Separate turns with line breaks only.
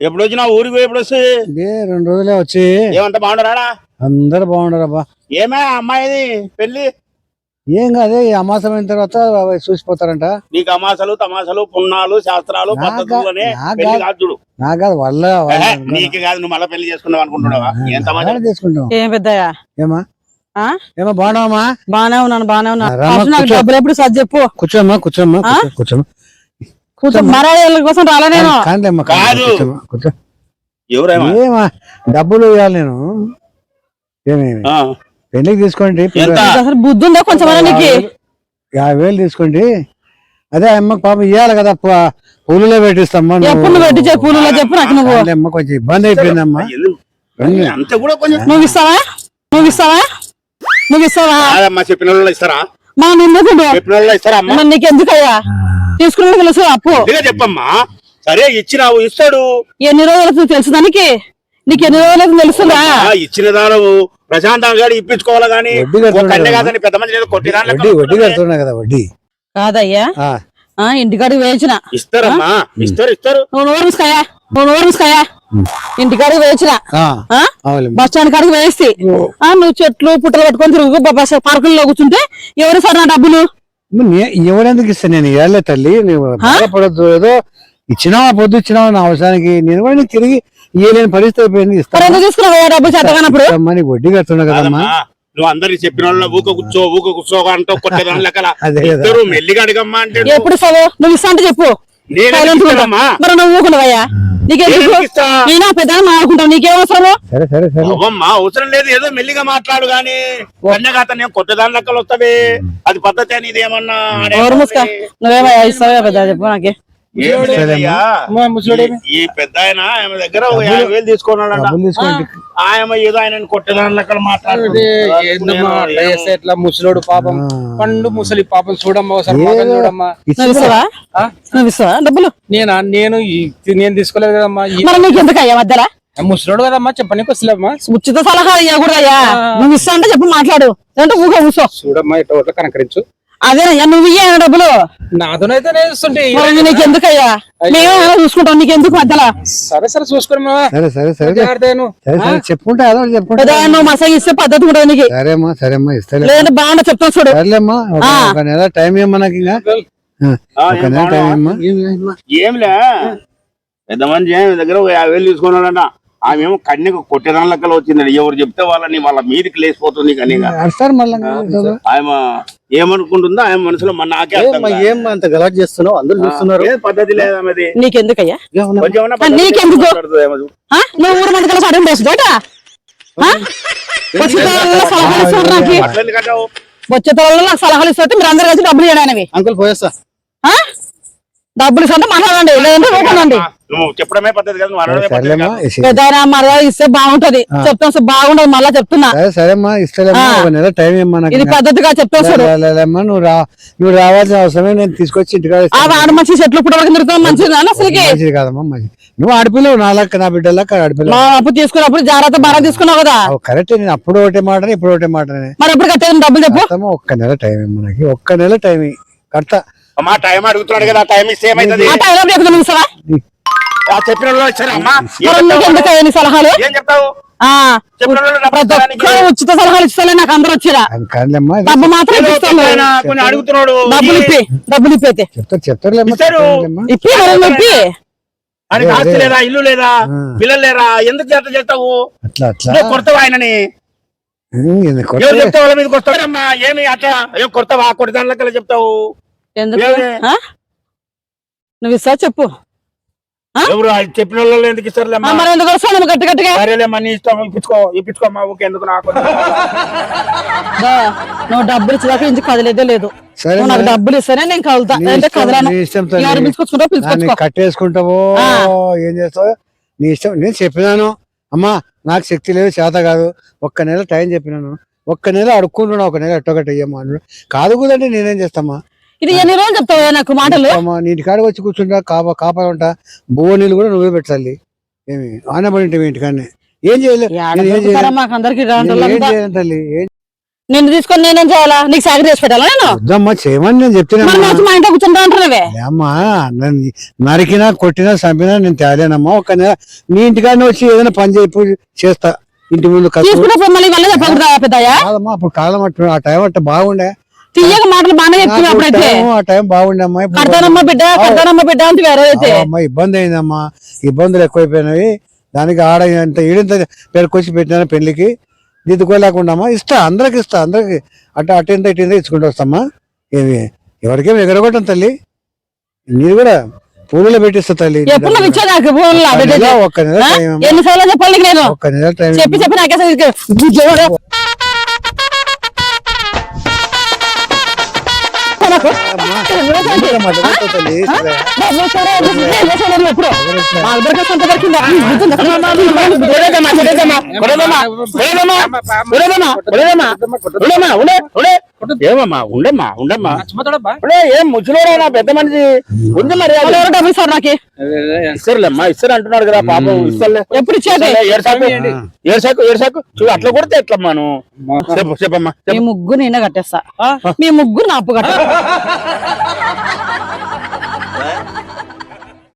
ఎప్పుడు వచ్చినా ఊరికి ఎప్పుడు వస్తే
2 రోజులే వచ్చి.
ఏమంతా బాగుండరాడా?
అందరు బాగుండరబ్బా.
ఏమే అమ్మాయిది పెళ్లి?
ఏం కాదే, ఈ అమాసం అయిన తర్వాత చూసిపోతారంట.
నీకు అమాసలు తమాసలు పున్నాలు శాస్త్రాలు పద్ధతుల్లోనే పెళ్లి కాదు చూడు.
నాకు కాదు వాళ్ళ
నీకు కాదు, నువ్వు మళ్ళీ పెళ్లి చేసుకున్నావు అనుకుంటున్నావా? ఏం తమాషా
తీసుకుంటాం.
ఏం పెద్దయ్యా?
ఏమా ఏమా బాగున్నావా?
బానే ఉన్నాను, బానే ఉన్నాను. డబ్బులు ఎప్పుడు సర్ది చెప్పు.
కూర్చోమ్మా కూర్చోమ్మా కూర్చోమ్మా
కూర్చో. మరాల కోసం రాలే నేను.
కాదు
ఏమా డబ్బులు ఇవ్వాలి నేను. ఏమేమి పెళ్లికి తీసుకోండి.
అసలు బుద్ధి ఉందా కొంచెం నీకు?
50,000 తీసుకోండి. అదే అమ్మకి పాపం ఇవ్వాలి కదా, పూలులో పెట్టిస్తామ్మా.
ఎప్పుడు పెట్టించే పూలులో చెప్పు నాకు. నువ్వు
అమ్మ కొంచెం ఇబ్బంది అయిపోయిందమ్మా.
నువ్వు ఇస్తావా? నువ్వు ఇస్తావా? నువ్వు ఇస్తావా?
చెప్పిన వాళ్ళు ఇస్తారా?
మా
చెప్పిన వాళ్ళు ఇస్తారా?
నీకెందుకయ్యా తీసుకున్నా తెలుసు అప్పు
చెప్పమ్మా. సరే ఇచ్చినావు, ఇస్తాడు.
ఎన్ని రోజులు తెలుసు దానికి? నీకు ఎన్ని రోజులు తెలుసుదా?
ఇచ్చిన దానవు ప్రశాంతంగా ఇప్పించుకోవాలి కానీ కాదని పెద్ద మంది
వడ్డీ కడుతున్నా కదా. వడ్డీ
కాదయ్యా, ఇంటికాడికి వేయించిన.
ఇస్తారమ్మా, ఇస్తారు ఇస్తారు.
నువ్వు నోరుకాయా ఇంటికాడికి వేయించిన. బస్ స్టాండ్ కాడికి వేసి నువ్వు చెట్లు పుట్టలు పట్టుకొని తిరుగు బస్ పార్కుల్లో కూర్చుంటే ఎవరు సార్ నా డబ్బులు?
ఎవరెందుకు ఇస్తాను నేను? ఏళ్ళే తల్లి, నువ్వు బాధపడద్దు. ఏదో ఇచ్చినావా, పొద్దు ఇచ్చినావా నా అవసరానికి. నేను కూడా నీకు తిరిగి ఇయ్యలేని పరిస్థితి అయిపోయింది.
తీసుకున్నావు డబ్బులు చేతగానప్పుడు
వడ్డీ కడుతున్నా కదమ్మా.
నువ్వు అందరికి చెప్పిన వాళ్ళు ఊక కూర్చో అంటూ కొట్టేదాని లెక్కల మెల్లిగా అడిగమ్మా అంటే
ఎప్పుడు సవో నువ్వు ఇస్తా అంటే చెప్పు. మరి నువ్వు ఊకున్నావయ్యా, నీకేమో పెద్ద మాట్లాడుకుంటావు, నీకేమవసరము?
అవసరం లేదు, ఏదో మెల్లిగా మాట్లాడు గాని కన్యగాతనే కొట్టేదాని లెక్కలు వస్తావి. అది పద్ధతి అని ఇదేమన్నా
నువ్వేమయ్యా ఇస్తావా పెద్ద చెప్పు నాకే.
ఈ పెద్ద ఆయన ఆమె దగ్గర 50,000 తీసుకున్నాడంట. ఆయన ఏదో ఆయన కొట్టేదాని లెక్కలు మాట్లాడుతుంది.
ఎట్లా ముసలోడు పాపం, పండు ముసలి పాపం చూడమ్మా, చూడమ్మా.
డబ్బులు
నేను తీసుకోలేదు కదమ్మా.
నీకు ఎందుకయ్యా మధ్యలో?
ముసలోడు కదమ్మా, చెప్పనీకి వస్తలేమ్మా.
ఉచిత సలహా ఇవ్వకూడదయ్యా. నువ్వు ఇస్తా అంటే చెప్పు, మాట్లాడు. అంటే ఊహ కూర్చో.
చూడమ్మా ఇట్లా కనకరించు.
అదేనయ్యా, నువ్వు ఇయ్యా డబ్బులు.
నాతోనైతే
నీకు ఎందుకయ్యా? మేము చూసుకుంటాం, నీకెందుకు మధ్యలో?
సరే సరే చూసుకోమ్మా.
చెప్పుకుంటా
నువ్వు మసాగా ఇస్తే పద్ధతి ఉంటుంది నీకు.
సరేమ్మా సరేమ్మా ఇస్తా.
లేదంటే బాగుంటా చెప్తాను చూడు.
సరేమ్మా, ఒక నెల టైం ఇవ్వమ్మా నాకు. ఒక నెల టైం ఇవ్వమ్మా.
ఏంలే పెద్ద మంచి దగ్గర 50,000 తీసుకున్నాడంట. ఆమెమో కన్యకు కొట్టేదాని లెక్కలు వచ్చిందండి. ఎవరు చెప్తే వాళ్ళ మీదికి లేసిపోతుంది. కానీ ఆమె ఏమనుకుంటుందో ఆమె మనసులో నాకే
అంత గలాట్ చేస్తున్నావు, అందరూ చూస్తున్నారు.
పద్ధతి లేదన్నది.
నీకెందుకయ్యా? నీకెందుకు? నువ్వు ఊరు మంది కలిసి అడుగు వేసు వచ్చే తోళ్ళు నాకు సలహాలు ఇస్తే మీరు అందరు కలిసి డబ్బులు ఇవ్వడానికి.
అంకుల్ పోయేస్తా.
డబ్బులు ఇస్తే మాట్లాడండి, లేదంటే ఊపండి.
చెప్పడమే పద్ధతి
పెద్ద మర్యాద ఇస్తే బాగుంటది. చెప్తాను బాగుంటది, మళ్ళా చెప్తున్నా.
సరేమ్మా ఇస్తలేమ్మా, ఒక నెల టైం ఇవ్వమా.
ఇది పద్ధతిగా చెప్తాను.
నువ్వు రావాల్సిన అవసరమే, నేను తీసుకొచ్చి ఇంటికాడ
మంచి చెట్లు పుట్టడానికి తిరుగుతాం. మంచిది
మంచిది కాదమ్మా. మంచి నువ్వు ఆడిపిల్లవు, నా లెక్క నా బిడ్డలక్క ఆడిపిల్ల.
అప్పు తీసుకున్నప్పుడు జాగ్రత్త బాగా తీసుకున్నావు కదా.
కరెక్ట్. నేను అప్పుడు ఒకటే మాట, ఇప్పుడు ఒకటే మాట.
మరి ఎప్పుడు కట్టేది డబ్బులు చెప్పు.
ఒక్క నెల టైం ఇవ్వమా, ఒక్క నెల టైం కడతా.
అమ్మా టైం అడుగుతున్నాడు కదా, టైం ఇస్తే ఏమైతుంది? చెప్పిన
సలహాలు
ఏం చెప్తావు?
ఉచిత సలహాలు ఇస్తాలే నాకు అందరూ వచ్చారా? డబ్బు మాత్రం
అడుగుతున్నాడు.
డబ్బులు ఇప్పైతే
చెప్తారు.
ఆస్తి లేదా, ఇల్లు లేదా, పిల్లలు లేరా? ఎందుకు చేస్తావు? కొడతావు ఆయనని. ఎవరు చెప్తావు? వాళ్ళ మీద కొడతావమ్మా. ఏమి అట్లా ఏం కొడతావా? కొడతాను లెక్కలు చెప్తావు.
ఎందుకు నువ్వు ఇస్తా చెప్పు.
ఎవరు చెప్పిన వాళ్ళు ఎందుకు ఇస్తారు?
మరి ఎందుకు వస్తాను గట్టి గట్టిగా?
సరేలేమ్మా, నీ ఇష్టం. ఇప్పించుకోమ్మా. ఓకే, ఎందుకు నాకు
నువ్వు డబ్బులు ఇచ్చేదాకా ఇంటికి కదలేదే లేదు. నాకు డబ్బులు ఇస్తేనే నేను కదులుతా, అంటే కదలను.
కట్టేసుకుంటావో ఏం చేస్తావు నీ ఇష్టం. నేను చెప్పినాను అమ్మా, నాకు శక్తి లేదు, చేత కాదు. ఒక్క నెల టైం చెప్పినాను. ఒక్క నెల అడుక్కుంటున్నా, ఒక నెల ఎట్టొకటి అయ్యమ్మా. కాదు కుదంటే నేనేం చేస్తామా?
ఇది ఎన్ని రోజులు చెప్తావా నాకు మాటలు?
నీటి కాడికి వచ్చి కూర్చుంటా, కాపా ఉంటా. బువ్వ నీళ్ళు కూడా నువ్వే పెట్టాలి. ఏమి ఆనబడి ఇంటికాడనే ఏం చేయలేదు.
అందరికి నిన్ను తీసుకొని నేనేం చేయాలా? నీకు సాగరి చేసి పెట్టాలా నేను?
వద్దమ్మా చేయమని నేను చెప్తున్నా
మరి వచ్చి మా ఇంట్లో కూర్చుంటా అంటున్నావే.
అమ్మా నన్ను నరికినా కొట్టినా చంపినా నేను తేలేనమ్మా. ఒక నెల నీ ఇంటికాడనే వచ్చి ఏదైనా పని చేస్తా ఇంటి ముందు
తీసుకున్నప్పుడు మళ్ళీ మళ్ళీ చెప్పకూడదా పెద్దయ్యా?
కాదమ్మా అప్పుడు కాలం అట్టు ఆ టైం అట్ట బాగుండే,
తీయక మాటలు బాగానే చెప్తున్నా అప్పుడైతే.
ఆ టైం బాగుండే అమ్మా.
కడతానమ్మా బిడ్డ కడతానమ్మా బిడ్డ అంటే వేరే అయితే
అమ్మా ఇబ్బంది అయిందమ్మా, ఇబ్బందులు ఎక్కువైపోయినవి. దానికి ఆడ ఇంత ఈడింత పేరుకొచ్చి పెట్టిన పెళ్లికి దిద్దుకోలేకుండా ఇస్తా, అందరికి అటు ఇంత ఇటు ఇంత ఇచ్చుకుంటూ వస్తామ్మా. ఏమి ఎవరికేమి ఎగరగొట్టం తల్లి, నీరు కూడా పూలలో పెట్టిస్తా తల్లి.
ఎప్పుడు నువ్వు ఇచ్చా నాకు ఫోన్లో
ఒక్క నెల టైం అమ్మా.
ఎన్నిసార్లు చెప్పాలి నీకు నేను?
ఒక్క నెల టైం
చెప్పి నాకే
ఏమమ్మా ఉండమ్మా ఉండమ్మా ఏం ముసలోడా పెద్ద మనిషి కొంచెం మరి
డబ్బులు ఇస్తారు నాకు.
ఇస్తారులేమ్మా, ఇస్తారు అంటున్నాడు కదా పాపం. ఇస్తారులే
ఎప్పుడు ఇచ్చేది?
ఏడ్సాకు చూడు అట్లా కొడితే ఎట్లమ్మా నువ్వు చెప్పమ్మా.
మీ ముగ్గురు నేనే కట్టేస్తా, మీ ముగ్గురు నా అప్పు కట్ట.